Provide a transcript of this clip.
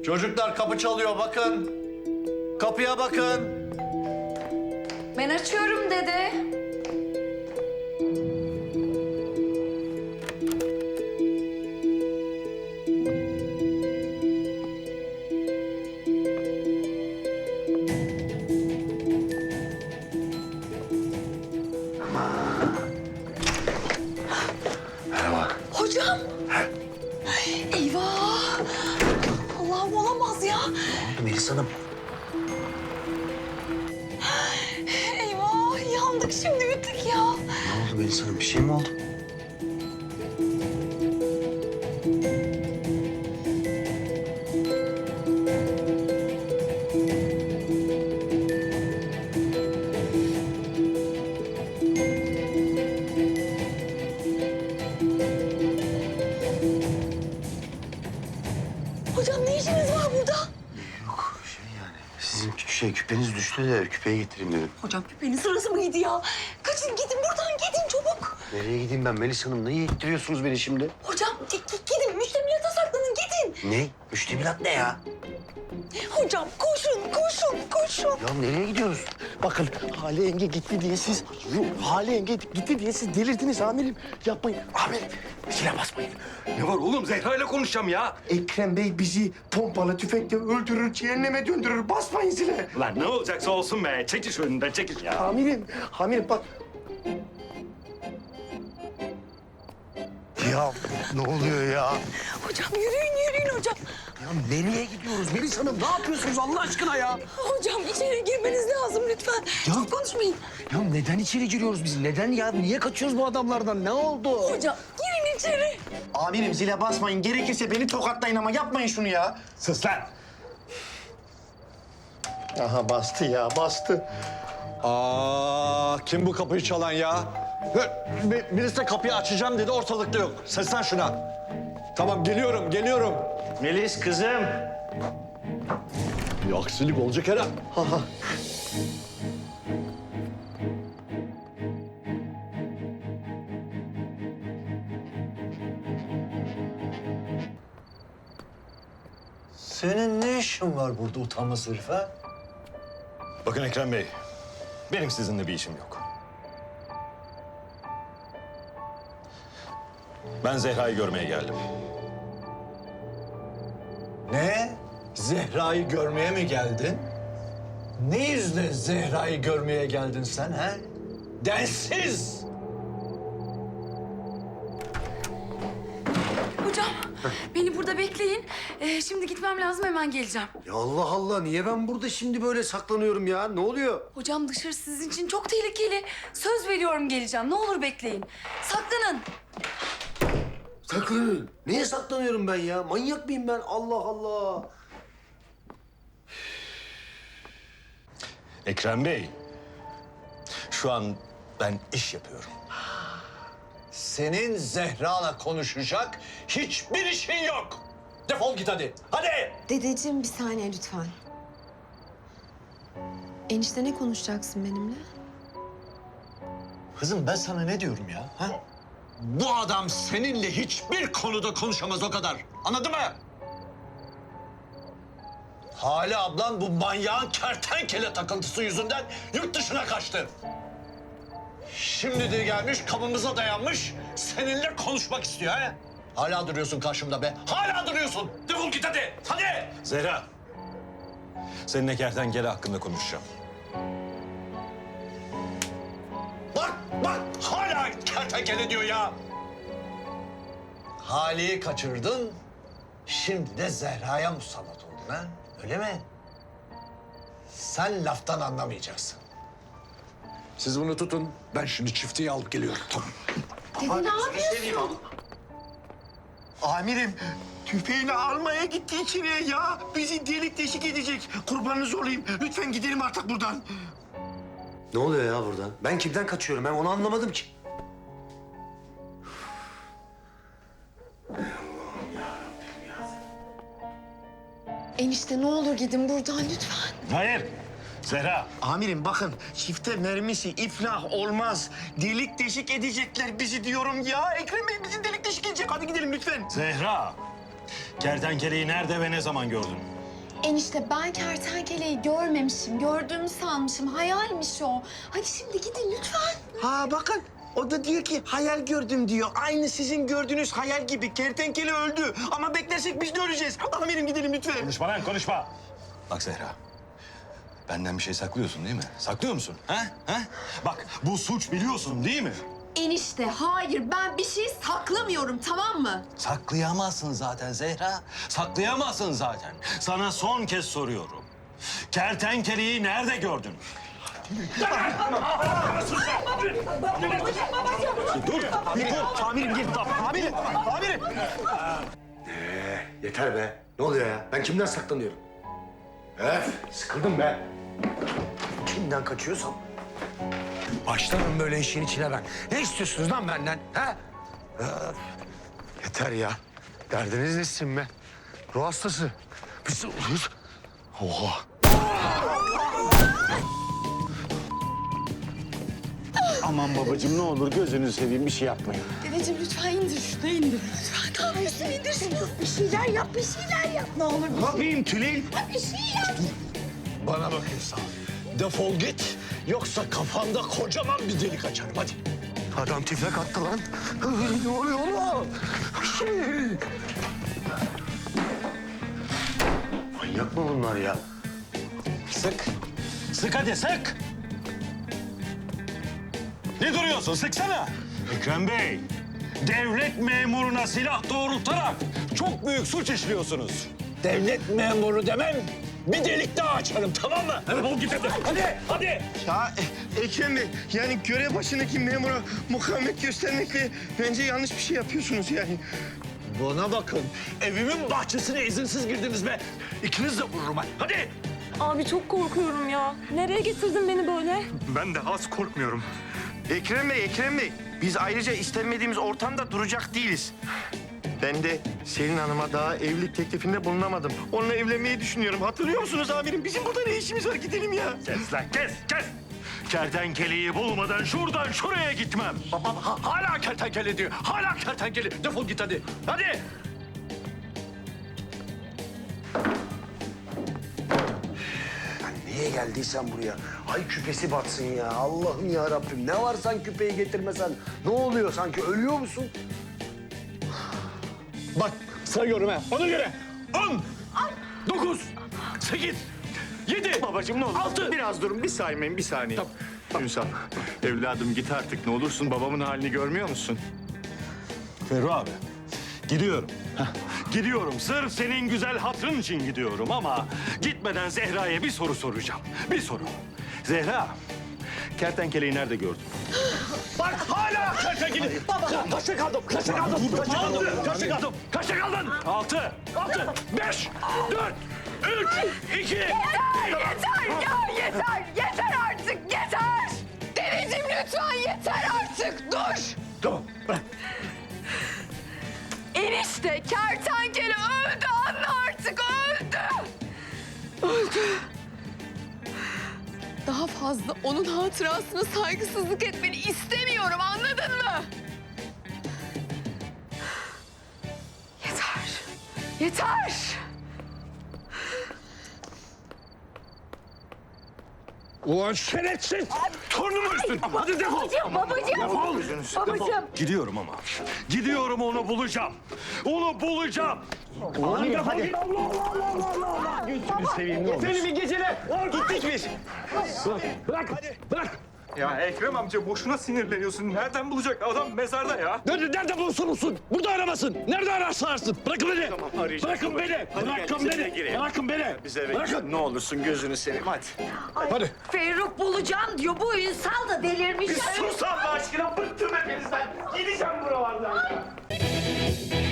Çocuklar kapı çalıyor bakın. Kapıya bakın. Ben açıyorum dede. Merhaba. Hocam. Eyvah. Allah'ım olamaz ya. Melis Hanım. Eyvah yandık şimdi bittik ya. Ne oldu Melis Hanım? Bir şey mi oldu? Hocam ne işiniz var burada? Yok sizin küpeniz düştü de küpeyi getireyim dedim. Hocam küpenin sırası mıydı ya? Kaçın gidin buradan gidin çabuk. Nereye gideyim ben Melis Hanım? Niye ittiriyorsunuz beni şimdi? Hocam gidin müştemilata saklanın gidin. Ne? Müştemilat ne ya? Hocam koşun. Ya nereye gidiyoruz? Bakın Hale yenge gitti diye siz... Hale yenge gitti diye siz delirdiniz amirim. Yapmayın. Amirim zile basmayın. Ne var oğlum? Zehra ile konuşacağım ya. Ekrem Bey bizi pompalı tüfekle öldürür, cehenneme döndürür. Basmayın zile. Lan ne olacaksa olsun be. Çekil şu önünden, çekil ya. Amirim bak. Ya ne oluyor ya? Hocam yürüyün hocam. Ya nereye gidiyoruz Melis Hanım? Ne yapıyorsunuz Allah aşkına ya? Hocam içeri girmeniz lazım lütfen. Çok konuşmayın. Ya neden içeri giriyoruz biz? Neden ya? Niye kaçıyoruz bu adamlardan? Ne oldu? Hocam girin içeri. Amirim zile basmayın. Gerekirse beni tokatlayın ama yapmayın şunu ya. Sus lan. Aha bastı ya, bastı. Kim bu kapıyı çalan ya? Birisi de kapıyı açacağım dedi, ortalıkta yok. Seslen şuna. Tamam, geliyorum. Melis kızım. Bir aksilik olacak herhalde. Senin ne işin var burada utanmaz herif ha? Bakın Ekrem Bey, benim sizinle bir işim yok. Ben Zehra'yı görmeye geldim. Ne? Zehra'yı görmeye mi geldin? Ne yüzle Zehra'yı görmeye geldin sen ha? Densiz! Hocam beni burada bekleyin. Şimdi gitmem lazım hemen geleceğim. Ya Allah Allah niye ben burada şimdi böyle saklanıyorum ya? Ne oluyor? Hocam dışarı sizin için çok tehlikeli. Söz veriyorum geleceğim. Ne olur bekleyin. Saklanın. Saklanın. Neye saklanıyorum ben ya? Manyak mıyım ben? Allah Allah. Ekrem Bey, şu an ben iş yapıyorum. Senin Zehra'la konuşacak hiçbir işin yok. Defol git hadi. Hadi! Dedeciğim bir saniye lütfen. Enişte ne konuşacaksın benimle? Kızım ben sana ne diyorum ya? Ha? Bu adam seninle hiçbir konuda konuşamaz o kadar. Anladın mı? Hale ablan bu manyağın kertenkele takıntısı yüzünden yurt dışına kaçtı. Şimdi de gelmiş kapımıza dayanmış seninle konuşmak istiyor ha? Hala duruyorsun karşımda be. Hala duruyorsun. Defol git hadi. Hadi. Zehra, seninle kertenkele hakkında konuşacağım. Bak hala kertenkele diyor ya. Hale'yi kaçırdın. Şimdi de Zehra'ya musallat oldun ha? Öyle mi? Sen laftan anlamayacaksın. Siz bunu tutun, ben şimdi çifteyi alıp geliyorum. Tamam. Dede ne yapıyorsun? Amirim tüfeğini almaya gitti içeriye ya. Bizi delik deşik edecek. Kurbanınız olayım. Lütfen gidelim artık buradan. Ne oluyor ya burada? Ben kimden kaçıyorum? Ben onu anlamadım ki. Enişte ne olur gidin buradan lütfen. Hayır, Zehra. Amirim bakın çifte mermisi iflah olmaz. Delik deşik edecekler bizi diyorum ya. Ekrem Bey bizi delik deşik edecek. Hadi gidelim lütfen. Zehra, Kertenkeleyi nerede ve ne zaman gördün? Enişte ben kertenkeleyi görmemişim. Gördüğümü sanmışım. Hayalmiş o. Hadi şimdi gidin lütfen. Ha bakın o da diyor ki hayal gördüm diyor. Aynı sizin gördüğünüz hayal gibi. Kertenkele öldü ama beklersek biz de öleceğiz. Amirim gidelim lütfen. Konuşma lan, konuşma. Bak Zehra, benden bir şey saklıyorsun değil mi? Saklıyor musun? Ha? Ha? Bak, bu suç biliyorsun değil mi? Enişte hayır ben bir şey saklamıyorum tamam mı? Saklayamazsın zaten Zehra. Saklayamazsın zaten. Sana son kez soruyorum. Kertenkeleyi nerede gördün? Amirim gel. Amirim. Yeter be. Ne oluyor ya? Ben kimden saklanıyorum? Öf, sıkıldım be. Kimden kaçıyorsam? Başlarım böyle işin içine ben. Ne istiyorsunuz lan benden? Ha? Öf. Yeter ya. Derdiniz nesin be? Ruh hastası. Biz... Oha. Aman babacığım ne olur gözünü seveyim bir şey yapmayın. Dedeciğim lütfen indir şunu indir lütfen. Ne yapıyorsun indir şunu. Bir şeyler yap bir şeyler yap ne olur. Ne yapayım Tülin? Bir şey yap. Bana bak İhsan. Defol git. Yoksa kafanda kocaman bir delik açarım. Hadi. Adam tüfek attı lan. Ne oluyor oğlum? Manyak mı bunlar ya? Sık. Sık hadi, sık. Ne duruyorsun? Sıksana. Ekrem Bey, devlet memuruna silah doğrultarak çok büyük suç işliyorsunuz. Devlet memuru demem. Bir delik daha açarım tamam mı? Hadi git hadi. Hadi, hadi. Ya Ekrem Bey yani görev başındaki memura mukavemet göstermekle bence yanlış bir şey yapıyorsunuz yani. Bana bakın. Evimin bahçesine izinsiz girdiniz be. İkiniz de vururum ha. Hadi. Abi çok korkuyorum ya. Nereye getirdin beni böyle? Ben de az korkmuyorum. Ekrem Bey. Biz ayrıca istenmediğimiz ortamda duracak değiliz. Ben de Selin Hanım'a daha evlilik teklifinde bulunamadım. Onunla evlenmeyi düşünüyorum. Hatırlıyor musunuz amirim? Bizim burada ne işimiz var? Gidelim ya. Kes lan, kes. Kertenkeleyi bulmadan şuradan şuraya gitmem. Babam hala kertenkele diyor. Hala kertenkele. Defol git hadi. Hadi. Niye geldiysen buraya? Ay küpesi batsın ya. Allah'ım ya Rabbim. Ne var sen küpeyi getirmesen? Ne oluyor sanki? Ölüyor musun? Bak sayıyorum ha. Ona göre. 10, 9, 8, 7. Babacığım ne olur. 6. Biraz durun bir saymayın bir saniye. Ünsal evladım git artık ne olursun babamın halini görmüyor musun? Ferru abi, gidiyorum. Gidiyorum. Sırf senin güzel hatırın için gidiyorum ama gitmeden Zehra'ya bir soru soracağım. Bir soru. Zehra, kertenkeleyi nerede gördün? Bak hala kertenkele. Baba. Kaçta kaldım? Kaçta kaldım? Kaçta kaldım? Kaçta kaldın? 6. 5, 4, 3, 2. Yeter ya yeter artık yeter. Dedeciğim lütfen yeter artık dur. Tamam bırak. Enişte kertenkele öldü anne artık öldü. Daha fazla onun hatırasına saygısızlık etmeni istemiyorum anladın mı? Yeter. Ulan şerefsiz. Torunumu üstün. Hadi defol. Babacığım. Gidiyorum ama. Gidiyorum onu bulacağım. Onu bulacağım. Amirim hadi. Gözünü seveyim ne olur. Seni bir gecele. Gittik biz. Bırak. Hadi. Bırak. Ya Ekrem amca boşuna sinirleniyorsun. Nereden bulacak adam mezarda ya? Nerede bulursun? Burada aramasın. Nerede ararsa ararsın. Bırakın beni. arayacağım. Bırakın beni. Bırakın beni. Bırakın beni. Biz eve Bırakın. gidelim. Ne olursun gözünü seveyim hadi. Hadi. Ferruh bulacağım diyor. Bu Ünsal da delirmiş. Sus Allah aşkına bıktım hepinizden. Gideceğim buralardan.